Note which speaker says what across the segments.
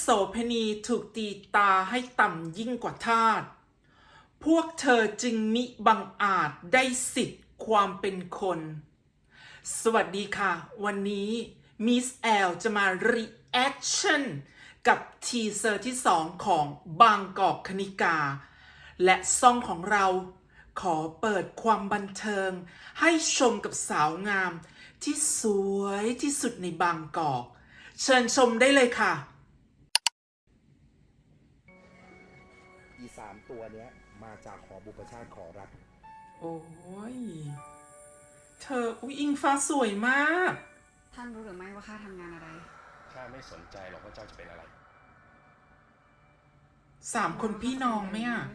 Speaker 1: โสเภณีถูกตีตาให้ต่ำยิ่งกว่าทาสพวกเธอจึงมิบังอาจได้สิทธิ์ความเป็นคน สวัสดีค่ะ วันนี้มิสแอลจะมารีแอคชั่นกับทีเซอร์ที่2ของบางกอกคณิกา และซ่องของเราขอเปิดความบันเทิงให้ชมกับสาวงามที่สวยที่สุดในบางกอก เชิญชมได้เลยค่ะ
Speaker 2: อี3ตัวเนี้ยมาจากหอบุพชาติขอรัก
Speaker 1: โอ้ยเธออุ๊ยอิงฟ้าสวยมาก
Speaker 3: ท่านรู้หรือไม่ว่าข้าทำงานอะไร
Speaker 4: ข้าไม่สนใจหรอกว่าเจ้าจะเป็นอะไร
Speaker 1: 3 คนพี่น้องไหมอ่ะ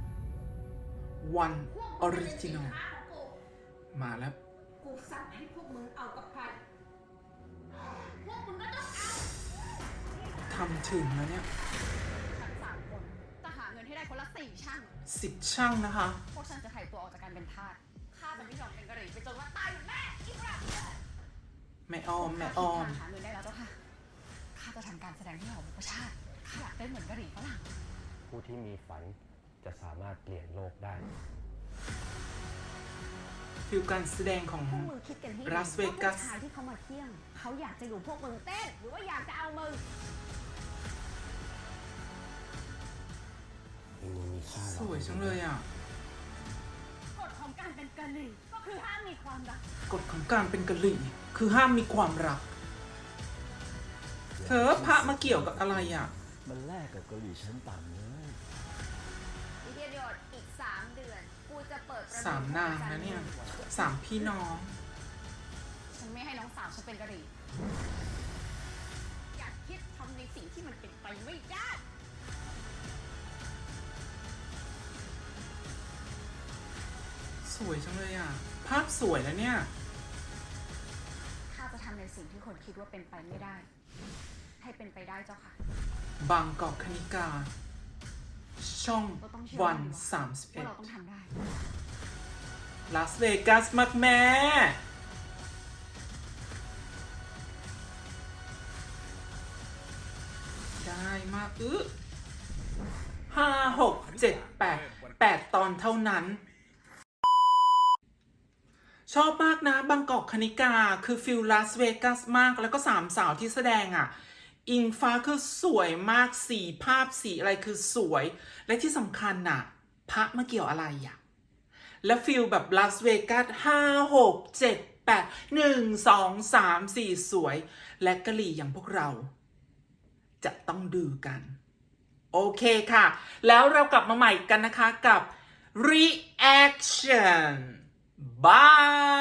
Speaker 1: One Original มาแล้ว
Speaker 5: กูสั่งให้พวกมึงเอากับใครพวกมึงก็ต้องเอา
Speaker 1: ทำถึงแล้วเนี่ย
Speaker 3: ทั้ง3 คนจะหาเงินให้ได้คนละ4 ช่าง
Speaker 1: 10 ช่างนะคะ
Speaker 3: พวกฉันจะไถ่ตัวออกจากการเป็นทาสข้าจะไม่ยอมเป็นกะหรี่ไปจนว่าตายอยู่แม่อีกแล้ว
Speaker 1: แม่ออม แม่ออม
Speaker 3: หาเงินได้แล้วเจ้าค่ะข้าจะทำการแสดงที่หอบุพชาติข้าอยากได้เหมือนกะหรี่ฝรั่ง
Speaker 4: ผู้ที่มีฝันจะสามารถเปลี่ยนโลกได้
Speaker 1: ฟิลการแสดงของ
Speaker 5: พวกมึงคิดกันให้ดี
Speaker 1: ลาสเวกัส
Speaker 5: ว่าผู้ชายที่เขามาเที่ยงเขาอยากจะอยู่พวกมึงเต้นหรือว่าอยากจะเอามึง
Speaker 4: มึงมีค่า
Speaker 1: สวยจังเลยอ่ะ
Speaker 5: กฎของการเป็นกะหรี่ก็คือห้ามมีความรัก
Speaker 1: กฎของการเป็นกะหรี่คือห้ามมีความรัก เธอพระมาเกี่ยวกับอะไรอ่ะ
Speaker 6: มันแลกกับเกาหลีชั้นต่ำเลย
Speaker 5: วิทยาโดดอีก3 เดือนกูจะเปิดประ
Speaker 1: 3 นางนะเนี่ย 3 พี่น้อง
Speaker 3: ฉันไม่ให้น้องสาวฉันเป็นกะหรี่
Speaker 5: อยากคิดทำในสิ่งที่มันเป็นไปไม่ได้
Speaker 1: สวยจังเลยอ่ะ ภาพสวยแล้วเนี่ย
Speaker 3: ข้าจะทำในสิ่งที่คนคิดว่าเป็นไปไม่ได้ ให้เป็นไปได้เจ้าค่ะ
Speaker 1: บางกอกคณิกา ช่อง
Speaker 3: เราต้องเชื่อ
Speaker 1: วัน
Speaker 3: ว่าเราต้องทำได้
Speaker 1: 31ลาสเวกัสมากแม่ ได้มาก5 6 7 8 ตอนเท่านั้น ชอบมากนะบางกอกคณิกาคือฟิลลาสเวกัสมากแล้วก็3 สาวที่แสดงอ่ะ อิงฟ้าคือสวยมากสีภาพสีอะไรคือสวย และที่สำคัญน่ะพระมาเกี่ยวอะไรอ่ะ และฟิลแบบลาสเวกัส5 6 7 8 1 2 3 4 สวย และกะหรี่อย่างพวกเรา จะต้องดูกัน โอเคค่ะ แล้วเรากลับมาใหม่กันนะคะกับ reaction bye